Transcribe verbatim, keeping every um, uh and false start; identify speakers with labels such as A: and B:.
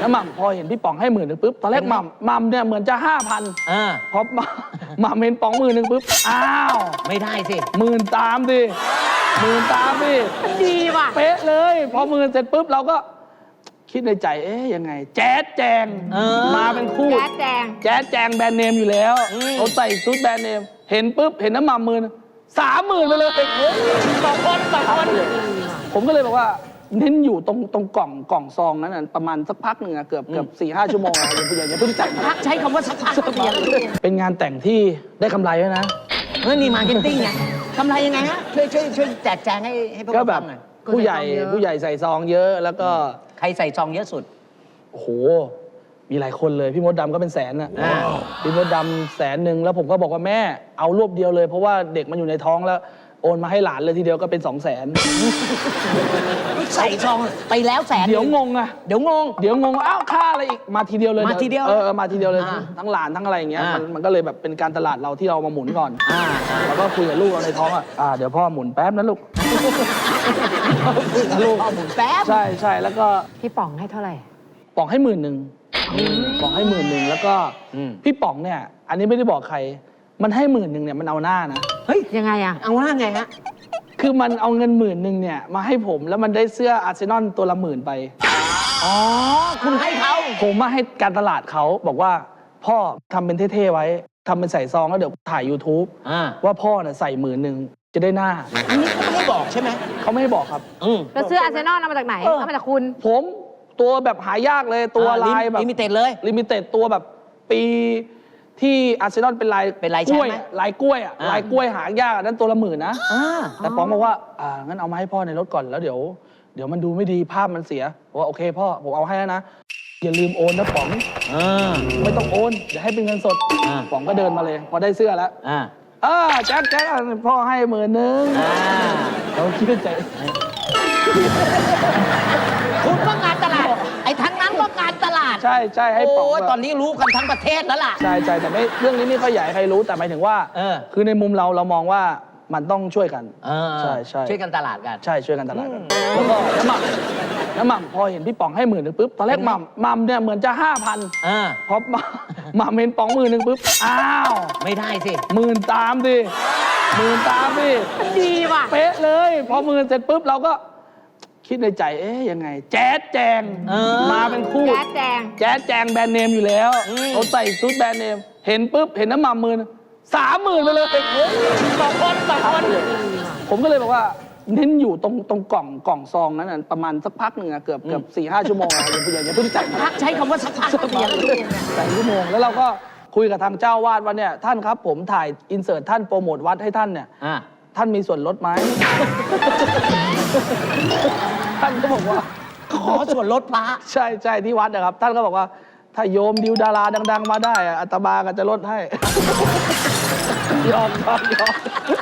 A: แล้วหม่ำพอเห็นพี่ป๋องให้หมื่นหนึ่งปุ๊บตอนแรกหม่ำหม่ำเนี่ยเหมือนจะห้าพันพอหม่ำเห็นป๋องหมื่นหนึ่งปุ๊บอ้าว
B: ไม่ได้สิ
A: หมื่นตามดิหมื่นตามดิ
C: ดีว่ะ
A: เป๊ะเลยพอหมื่นเสร็จปุ๊บเราก็คิดในใจเอ๊ยยังไงแจ๊ดแจงมาเป็นคู่
C: แจ๊ดแจง
A: แจ๊ดแจงแบรนด์เนมอยู่แล้วเขาใส่ชุดแบรนด์เนมเห็นปุ๊บเห็นน้ำหม่ำหมื่นสามหมื่นไปเลย
C: สองคนสองคน
A: ผมก็เลยบอกว่าเน้นอยู่ตรงตรงกล่องกล่องซองนั้นประมาณสักพักหนึ่งอะเกือบเกือบสี่ห้าชั่วโมงอะอย่าอย่าเพิ่งจ่าย
C: พักใช้คำว่าสักพักเดียว
A: เป็นงานแต่งที่ได้กำไรด้วยนะ
B: เฮ้ยนี่มาร์เก็ตติ้งไงกำไรยังไงฮะช่วยช่วยช่วยแจกแจงให้ให้พวกเราฟังหน่อย
A: ผู้ใหญ่ผู้ใหญ่ใส่ซองเยอะแล้วก็
B: ใครใส่ซองเยอะสุด
A: โอ้โหมีหลายคนเลยพี่มดดำก็เป็นแสนน่ะพี่มดดำแสนหนึ่งแล้วผมก็บอกว่าแม่เอารวบเดียวเลยเพราะว่าเด็กมันอยู่ในท้องแล้วโอนมาให้หลานเลยทีเดียวก็เป็นสองแสน
B: ใส่ซองไปแล้วแสน
A: เดี๋ยวงงอะ
B: เดี๋ยวงง
A: เดี๋ยวงงอ้าวค่าอะไรอีกมาทีเดียวเลย
B: มาทีเดียว
A: เออมาทีเดียวเลยทั้งหลานทั้งอะไรอย่างเงี้ยมันมันก็เลยแบบเป็นการตลาดเราที่เรามาหมุนก่อนแล้วก็คุยกับลูกเราในท้องอ่ะเดี๋ยวพ่อหมุนแป๊บนะลูก
B: ลูกพ่อหมุนแป๊บ
A: ใช่ใช่แล้วก็
C: พี่ป๋องให้เท่าไหร่
A: ป๋องให้หมื่นหนึ่งป๋องให้หมื่นหนึ่งแล้วก็พี่ป๋องเนี่ยอันนี้ไม่ได้บอกใครมันให้หมื่นหนึ่งเนี่ยมันเอาหน้านะ
B: เฮ้ย
C: ยังไงอะ
B: เอาหน้าไงฮะ
A: คือมันเอาเงินหมื่นหนึ่งเนี่ยมาให้ผมแล้วมันได้เสื้ออาร์เซนอลตัวละหมื่นไป
B: อ๋อคุณให้เขา
A: ผมมาให้การตลาดเขาบอกว่าพ่อทำเป็นเท่ๆไว้ทำเป็นใส่ซองแล้วเดี๋ยวถ่าย ยูทูบ ว่าพ่อเนี่ยใส่หมื่นหนึ่งจะได้หน้า
B: อันนี้เขาไม่ได้บอกใช่ไหม
A: เขาไม่ได้บอกครับ
C: แล้วเสื้ออาร์เซนอลเอามาจากไหนเอามาจากคุณ
A: ผมตัวแบบหายากเลยตัวลายแบบ
B: ลิมิเต็ดเลย
A: ลิมิเต็ดตัวแบบปีที่อาร์เซนอลเป็นลาย
B: เป็นลาย
A: กล้วยลายกล้วยอ่ะลายกล้วยหายากนั้นตัวละหมื่นนะแต่ป๋องบอกว่าอ่างั้นเอามาให้พ่อในรถก่อนแล้วเดี๋ยวเดี๋ยวมันดูไม่ดีภาพมันเสียบอกว่าโอเคพ่อผมเอาให้แล้วนะอย่าลืมโอนนะป๋องไม่ต้องโอนเดี๋ยวให้เป็นเงินสดป๋องก็เดินมาเลยพอได้เสื้อแล้วอ่าแจ๊คแจ๊คพ่อให้หมื่นนึงเราคิดในใจ
B: คุณก็งานตลาดไอ้ทั้งนั้นก็งานตลาด
A: ใช่ใช่ให้ป๋อง
B: ตอนนี้รู้กันทั้งประเทศแล้วล่ะ
A: ใช่ใช่แต่ไม่เรื่องนี้ไม่ค่อยใหญ่ใครรู้แต่หมายถึงว่าคือในมุมเราเรามองว่ามันต้องช่วยกันใช่ใช่
B: ช่วยกันตลาดกัน
A: ใช่ช่วยกันตลาดกันแล้วก็น้ำหม่ำน้ำหม่ำพอเห็นพี่ป๋องให้หมื่นหนึ่งปุ๊บตอนแรกหม่ำหม่ำเนี่ยเหมือนจะห้าพันพอหม่ำเห็นป๋องหมื่นหนึ่งปุ๊บอ้าว
B: ไม่ได้สิ
A: หมื่นตามดิหมื่นตามดิ
C: ดีว่ะ
A: เป๊ะเลยพอหมื่นเสร็จปุ๊บเราก็คิดในใจเอ๊ยยังไงแจ๊ดแจงมาเป็นคู่
C: แจ๊ดแจง
A: แจ๊ดแจงแบรนด์เนมอยู่แล้วเขาใส่ชุดแบรนด์เนมเห็นปุ๊บเห็นน้ำหม่ำหมื่นสามหมื่นไปเลย
C: สองคนสองคน
A: ผมก็เลยบอกว่าเน้นอยู่ตรงตรงกล่องกล่องซองนั้นประมาณสักพักหนึ่งอะเกือบเกือบสี่ห้าชั่วโมงอะอย่าอย่าเพิ่งจ่าย
B: พักใช้คำว่าสักพักเดียว
A: ใส่ชั่วโมงแล้วเราก็คุยกับทางเจ้าวาดว่าเนี่ยท่านครับผมถ่ายอินเสิร์ตท่านโปรโมทวัดให้ท่านเนี่ยท่านมีส่วนลดไหมท่านก็บอกว่า
B: ขอส่วนลดพระ
A: ใช่ใช่ที่วัดนะครับท่านก็บอกว่าถ้าโยมดิวดาราดังๆมาได้อาตมาก็จะลดให้ยอมยอมยอม